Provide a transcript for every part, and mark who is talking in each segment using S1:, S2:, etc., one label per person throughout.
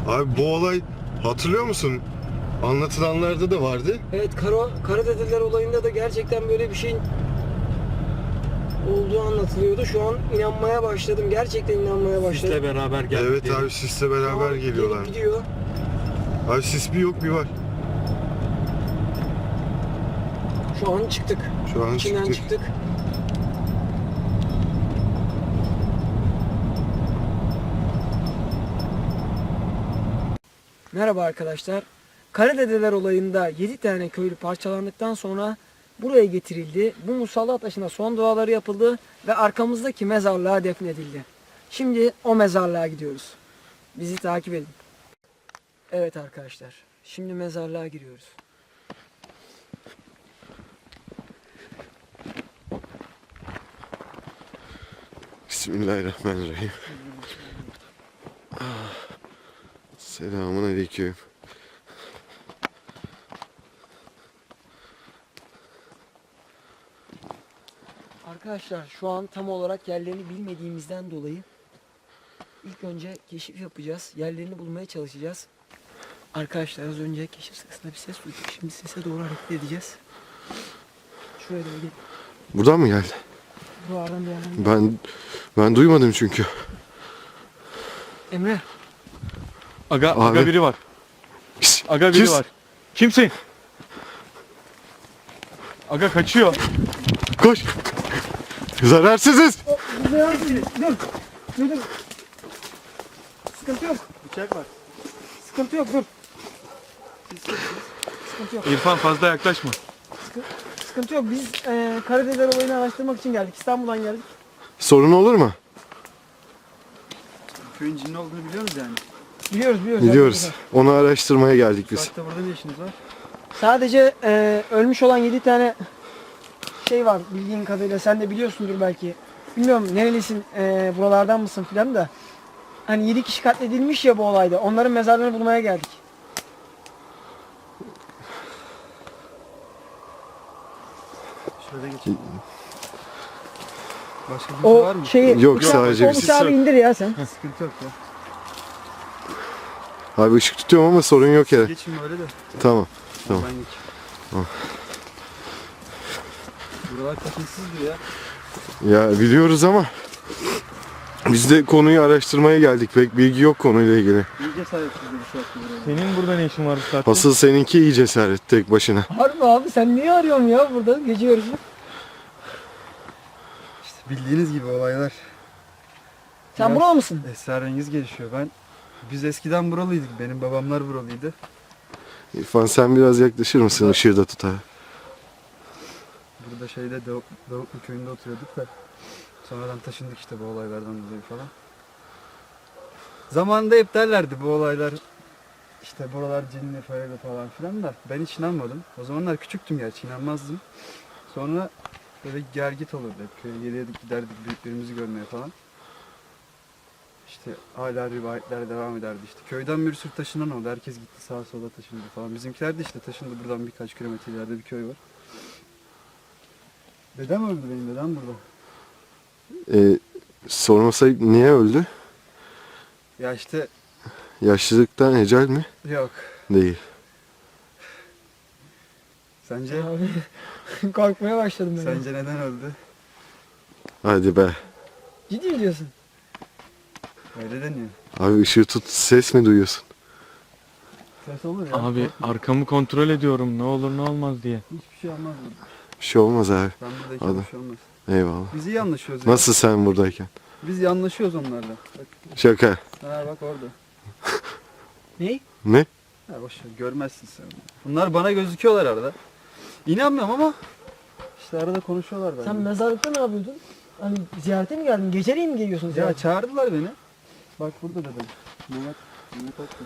S1: Abi bu olay hatırlıyor musun? Anlatılanlarda da vardı.
S2: Evet, Karadedeler olayında da gerçekten böyle bir şeyin olduğu anlatılıyordu. Şu an inanmaya başladım. Gerçekten inanmaya başladım.
S3: Sisle beraber geldi.
S1: Evet abi sisle beraber geliyorlar.
S2: Gelip gidiyor.
S1: Abi sis bir yok bir var.
S2: Şu an çıktık.
S1: Şu an
S2: İçinden
S1: çıktık.
S2: çıktık. Merhaba arkadaşlar. Karadedeler olayında 7 tane köylü parçalandıktan sonra buraya getirildi. Bu musallat taşına son duaları yapıldı ve arkamızdaki mezarlığa defnedildi. Şimdi o mezarlığa gidiyoruz. Bizi takip edin. Evet arkadaşlar. Şimdi mezarlığa giriyoruz.
S1: Bismillahirrahmanirrahim. Selamun aleyküm.
S2: Arkadaşlar şu an tam olarak yerlerini bilmediğimizden dolayı ilk önce keşif yapacağız. Yerlerini bulmaya çalışacağız. Arkadaşlar az önce keşif sırasında bir ses duyduk. Şimdi sese doğru hareket edeceğiz. Şuraya doğru gel.
S1: Buradan mı geldi?
S2: Buralardan bir yerden.
S1: Ben duymadım çünkü.
S2: Emre.
S3: Aga biri var.
S1: Pis,
S3: Aga biri
S1: pis.
S3: var. Kimsin? Aga kaçıyor.
S1: Koş. Zararsızız.
S2: Dur. Sıkıntı yok.
S3: Bıçak var.
S2: Sıkıntı yok dur. Sıkıntı yok.
S3: İrfan fazla yaklaşma.
S2: Sıkıntı yok. Biz Karadedeler olayını araştırmak için geldik. İstanbul'dan geldik.
S1: Sorun olur mu?
S3: Köyün cinli olduğunu biliyoruz yani.
S2: Biliyoruz.
S1: Biliyoruz. Onu araştırmaya geldik biz.
S3: Saatte burada ne işiniz var?
S2: Sadece ölmüş olan 7 tane şey var bildiğin kadarıyla. Sen de biliyorsundur belki. Bilmiyorum nerelisin, buralardan mısın filan da. Hani 7 kişi katledilmiş ya bu olayda. Onların mezarlarını bulmaya geldik.
S3: Şöyle geçelim. Başka bir
S2: O
S3: var mı?
S2: şeyi
S1: Yok, sadece
S2: o
S1: biz.
S2: bıçağı bir indir ya sen.
S3: Sıkıntı yok ya.
S1: Abi ışık tutuyorum ama sorun yok ya.
S3: Geçin böyle de.
S1: Tamam. Tamam.
S3: Ben geç.
S1: Tamam.
S3: Buralar tekinsizdir ya.
S1: Ya biliyoruz ama biz de konuyu araştırmaya geldik. Pek bilgi yok konuyla ilgili.
S3: İyice sahipsizdir bu saatte buraya. Senin burada ne işin var bu saatte?
S1: Asıl seninki iyi cesaret tek başına.
S2: Harbi abi sen niye arıyorsun ya burada gece yarısı?
S4: İşte bildiğiniz gibi olaylar
S2: Sen
S4: Biraz-
S2: buralı mısın?
S4: esrarengiz gelişiyor. Biz eskiden buralıydık. Benim babamlar buralıydı.
S1: İrfan sen biraz yaklaşır mısın? Işığı da tut abi.
S4: Burada Davutlu köyünde oturuyorduk da sonradan taşındık işte bu olaylardan dolayı falan. Zamanında hep derlerdi bu olaylar işte buralar cinli falan filan da ben hiç inanmadım. O zamanlar küçüktüm gerçi inanmazdım. Sonra böyle gergit olurdu hep köye gelirdik giderdik büyüklerimizi görmeye falan. İşte hala rivayetler devam ederdi işte. Köyden bir sürü taşınan oldu. Herkes gitti sağa sola taşındı falan. Bizimkiler de işte taşındı buradan birkaç kilometre ileride bir köy var. Dedem öldü benim dedem burada.
S1: Sormasa niye öldü?
S4: Ya işte
S1: Yaşlılıktan ecel mi?
S4: yok.
S1: Değil.
S4: Sence?
S2: Abi korkmaya başladım ben.
S4: Sence neden öldü?
S1: Hadi be.
S2: Ciddi mi diyorsun?
S4: Öyle deniyor.
S1: Abi ışığı tut, ses mi duyuyorsun?
S4: Ses olur ya.
S3: Abi arkamı kontrol ediyorum ne olur ne olmaz diye.
S4: Hiçbir şey olmaz burada.
S1: Bir şey olmaz abi.
S4: Ben buradayken
S1: Hadi.
S4: bir şey olmaz.
S1: Eyvallah.
S4: Biz iyi anlaşıyoruz ya.
S1: Nasıl sen buradayken?
S4: Biz iyi anlaşıyoruz onlarla. Bak,
S1: Şaka.
S4: ha bak orada.
S2: Ney?
S1: Ne?
S4: Ha boş ver, görmezsin sen. Bunlar bana gözüküyorlar arada. İnanmıyorum ama işte arada konuşuyorlar benimle.
S2: Sen mezarlıkta ne yapıyordun? Hani ziyarete mi geldin? Geceleyin mi geliyorsun
S4: Ya
S2: ziyarete?
S4: çağırdılar beni. Bak burada dedim. Mehmet Aklı.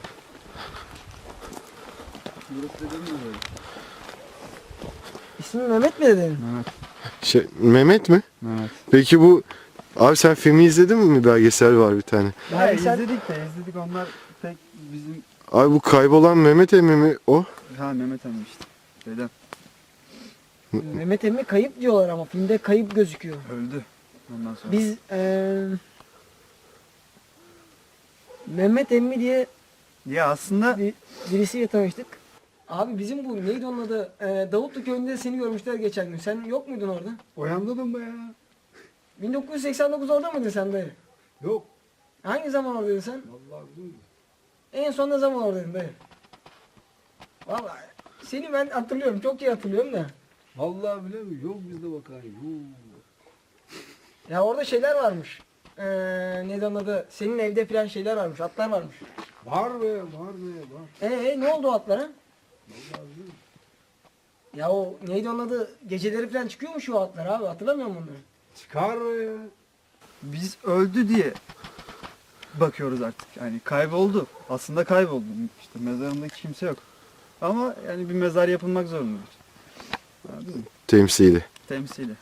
S4: Burası dedim mi böyle?
S2: İsmin Mehmet mi dedin?
S1: Mehmet mi?
S4: Mehmet.
S1: Peki bu... Abi sen filmi izledin mi? Belgesel var bir tane.
S4: Ya
S2: Belgesel-
S4: izledik onlar pek bizim...
S1: Abi bu kaybolan Mehmet emmi mi o?
S4: Ha Mehmet emmi işte. Dedem.
S2: Mehmet emmi kayıp diyorlar ama filmde kayıp gözüküyor.
S4: Öldü. Ondan sonra.
S2: Biz Mehmet emmi diye
S4: Ya aslında
S2: Birisiyle tanıştık. Abi bizim bu neydi onun adı? Davutlu köyünde seni görmüşler geçen gün. Sen yok muydun orada?
S5: Uyandın mı ya?
S2: 1989 orada mıydın sen dayı?
S5: Yok.
S2: Hangi zaman oradaydın sen?
S5: Vallahi bilmiyorum.
S2: En son ne zaman oradaydın dayı? Vallahi seni ben hatırlıyorum. Çok iyi hatırlıyorum da.
S5: Vallahi bilemiyorum. Yok bizde bakayım. Yok.
S2: Ya orada şeyler varmış. Neydi onun adı? Senin evde falan şeyler varmış. Atlar varmış.
S5: Var be, var be, var.
S2: Ne oldu o atlara?
S5: Vallahi bilmiyorum.
S2: Ya o neydi onun adı? Geceleri falan çıkıyormuş o atlar abi. Hatırlamıyor musun onları?
S5: Çıkar be ya.
S4: biz öldü diye bakıyoruz artık. Yani kayboldu. Aslında kayboldu. İşte mezarında kimse yok. Ama yani bir mezar yapılmak zorundadır. Anladın mı?
S1: Temsili.
S4: Temsili.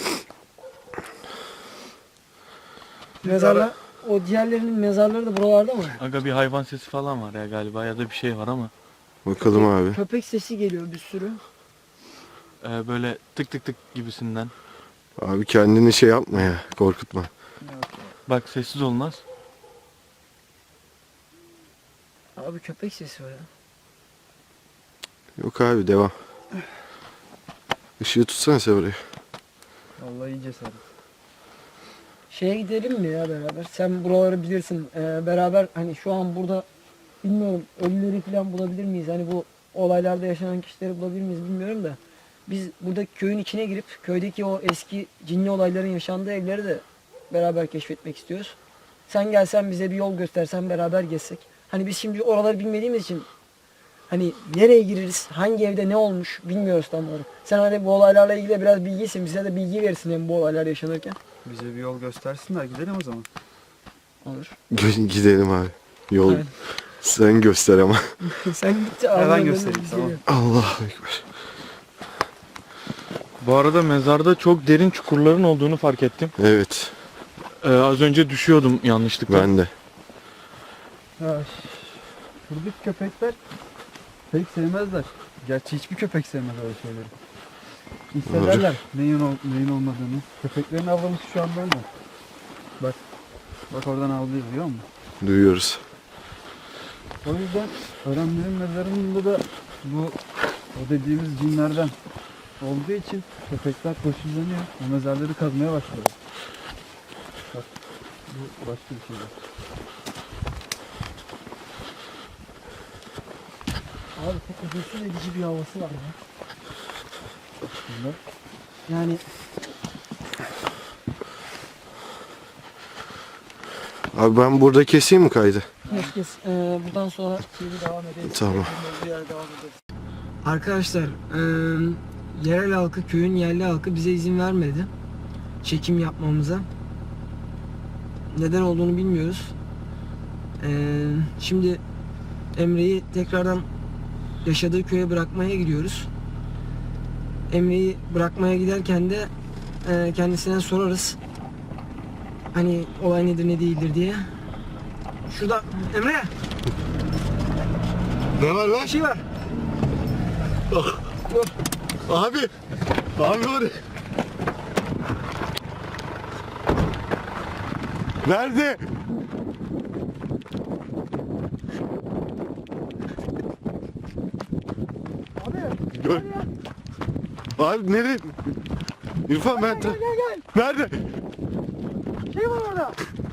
S2: Mezarlar. O diğerlerinin mezarları da buralarda mı?
S3: Aga bir hayvan sesi falan var ya galiba ya da bir şey var ama.
S1: Bakalım abi.
S2: Köpek sesi geliyor bir sürü.
S3: Böyle tık tık tık gibisinden.
S1: Abi kendini şey yapma ya. Korkutma.
S3: Bak sessiz olmaz.
S2: Abi köpek sesi var ya.
S1: Yok abi devam. Işığı tutsana sen oraya.
S4: Vallahi iyi cesaret.
S2: Şeye gidelim mi ya beraber? Sen buraları bilirsin. Beraber hani şu an burada bilmiyorum ölüleri falan bulabilir miyiz? Hani bu olaylarda yaşanan kişileri bulabilir miyiz bilmiyorum da. Biz buradaki köyün içine girip köydeki o eski cinli olayların yaşandığı evleri de beraber keşfetmek istiyoruz. Sen gelsen bize bir yol göstersen beraber gezsek. Hani biz şimdi oraları bilmediğimiz için hani nereye gireriz, hangi evde ne olmuş bilmiyoruz tam olarak. Sen hani bu olaylarla ilgili biraz bilgisin, bize de bilgi verirsin hem bu olaylar yaşanırken.
S4: Bize bir yol göstersinler gidelim o zaman.
S2: Olur.
S1: Gidelim abi. Yol
S2: Aynen.
S1: sen göster ama.
S2: Sen git.
S4: Ben göstereyim, tamam.
S1: Allahu Ekber.
S3: Bu arada mezarda çok derin çukurların olduğunu fark ettim.
S1: Evet.
S3: Az önce düşüyordum yanlışlıkla.
S1: Ben de.
S4: Ya, şuradaki köpekler pek sevmezler. Gerçi hiçbir köpek sevmez öyle şeyleri. Hissederler neyin olmadığını. Köpeklerin avlaması şu an bende. Bak. Bak oradan avlıyor biliyor musun?
S1: Duyuyoruz.
S4: O yüzden öğrenlerin mezarında da bu o dediğimiz cinlerden olduğu için köpekler koşullanıyor. O mezarları kazmaya başlıyor. Bak bu başka bir şey.
S2: Abi çok huzursuz edici bir havası var ya.
S4: Bunlar.
S2: Yani
S1: Abi ben burada keseyim mi kaydı?
S2: herkes buradan sonra TV devam edelim.
S1: Tamam.
S2: Arkadaşlar yerel halkı, köyün yerli halkı bize izin vermedi çekim yapmamıza. Neden olduğunu bilmiyoruz. Şimdi Emre'yi tekrardan yaşadığı köye bırakmaya gidiyoruz. Emre'yi bırakmaya giderken de kendisine sorarız. Hani olay nedir ne değildir diye. Şurada Emre
S1: Ne var lan?
S2: bir şey var.
S1: Abi. Abi var. Nerede?
S2: Abi
S1: Gör. Abi nereye? İrfan ben...
S2: gel.
S1: Nerede?
S2: Şey var orada.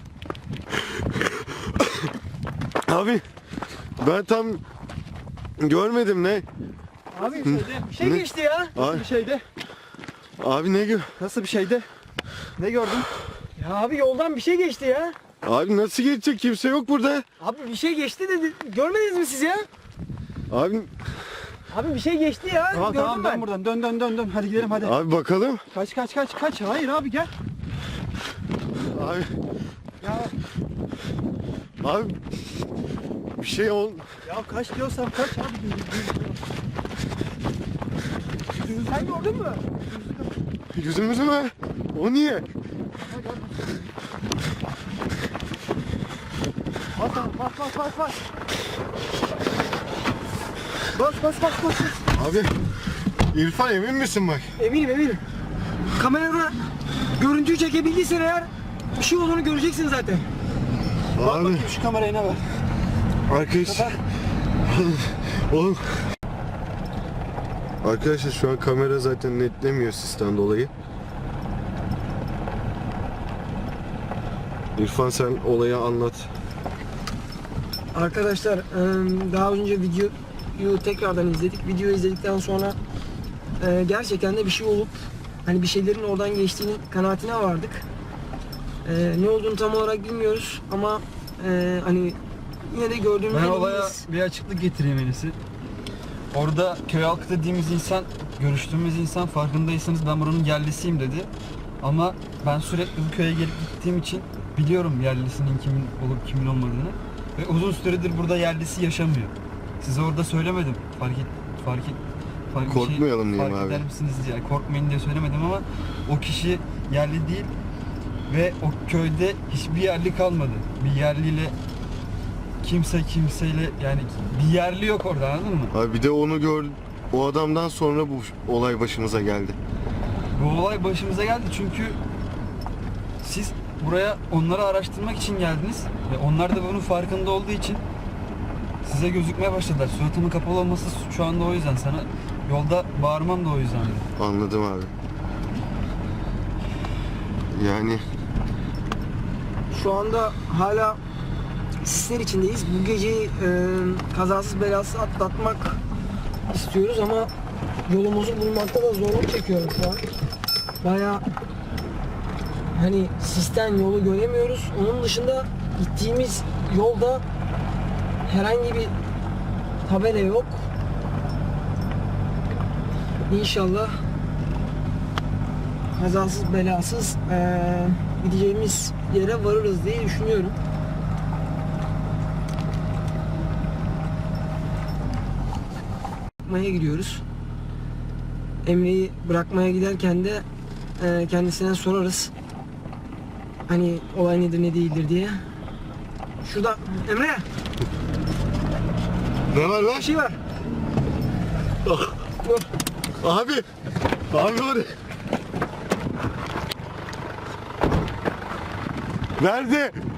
S1: Abi ben tam görmedim ne?
S2: Abi bir şey
S1: Ne?
S2: geçti ya.
S1: Abi,
S4: Bir şeydi.
S1: abi ne gör?
S4: Nasıl bir şeydi? Ne gördün?
S2: Ya abi yoldan bir şey geçti ya.
S1: Abi nasıl geçecek? Kimse yok burada.
S2: Abi bir şey geçti dedi. Görmediniz mi siz ya?
S1: Abi
S2: Abi bir şey geçti ya.
S4: Tamam
S2: Gördüm
S4: tamam
S2: ben.
S4: dön buradan dön. Hadi gidelim hadi.
S1: abi bakalım.
S4: Kaç. Hayır abi gel.
S1: Abi
S4: Ya,
S1: abi bir şey ol.
S4: ya kaç diyorsam kaç abi.
S2: Sen gördün mü?
S1: Yüzümüzü mü? O niye?
S4: Bas.
S1: Abi İrfan emin misin bak?
S2: Eminim. Kamerada görüntüyü çekebildiysen eğer bir şey olduğunu göreceksin zaten.
S1: Abi
S4: Şu kamerayı ne ver?
S1: Arkadaşlar. Oğlum. Arkadaşlar şu an kamera zaten netlemiyor sisten dolayı. İrfan sen olayı anlat.
S2: Arkadaşlar daha önce videoyu tekrardan izledik. Videoyu izledikten sonra gerçekten de bir şey olup hani bir şeylerin oradan geçtiğinin kanaatine vardık. Ne olduğunu tam olarak bilmiyoruz ama hani yine de gördüğümüz
S4: Ben olaya bir açıklık getireyim en iyisi. Orada köy halkı dediğimiz insan, görüştüğümüz insan, farkındaysanız ben buranın yerlisiyim dedi. Ama ben sürekli bu köye gelip gittiğim için biliyorum yerlisinin kimin olup kimin olmadığını. Ve uzun süredir burada yerlisi yaşamıyor. Size orada söylemedim.
S1: Korkmayalım diyeyim
S4: fark
S1: abi.
S4: eder misiniz diye. Korkmayın diye söylemedim ama o kişi yerli değil. Ve o köyde hiçbir yerli kalmadı. Bir yerliyle kimseyle yani bir yerli yok orada, anladın mı?
S1: Abi bir de onu gör, o adamdan sonra bu olay başımıza geldi.
S4: Bu olay başımıza geldi çünkü siz buraya onları araştırmak için geldiniz ve onlar da bunun farkında olduğu için size gözükmeye başladılar. Suratımın kapalı olması şu anda o yüzden, sana yolda bağırmam da o yüzden.
S1: Anladım abi. Yani
S2: şu anda hala sisler içindeyiz. Bu geceyi kazasız belasız atlatmak istiyoruz ama yolumuzu bulmakta da zorluk çekiyorum şu an. Bayağı hani sisten yolu göremiyoruz. Onun dışında gittiğimiz yolda herhangi bir tabela yok. İnşallah kazasız belasız gideceğimiz yere varırız diye düşünüyorum. Bırakmaya gidiyoruz. Emre'yi bırakmaya giderken de kendisine sorarız. Hani olay nedir ne değildir diye. Şurada Emre,
S1: ne var lan?
S2: bir şey var. Dur.
S1: Abi. Abi var. Nerede?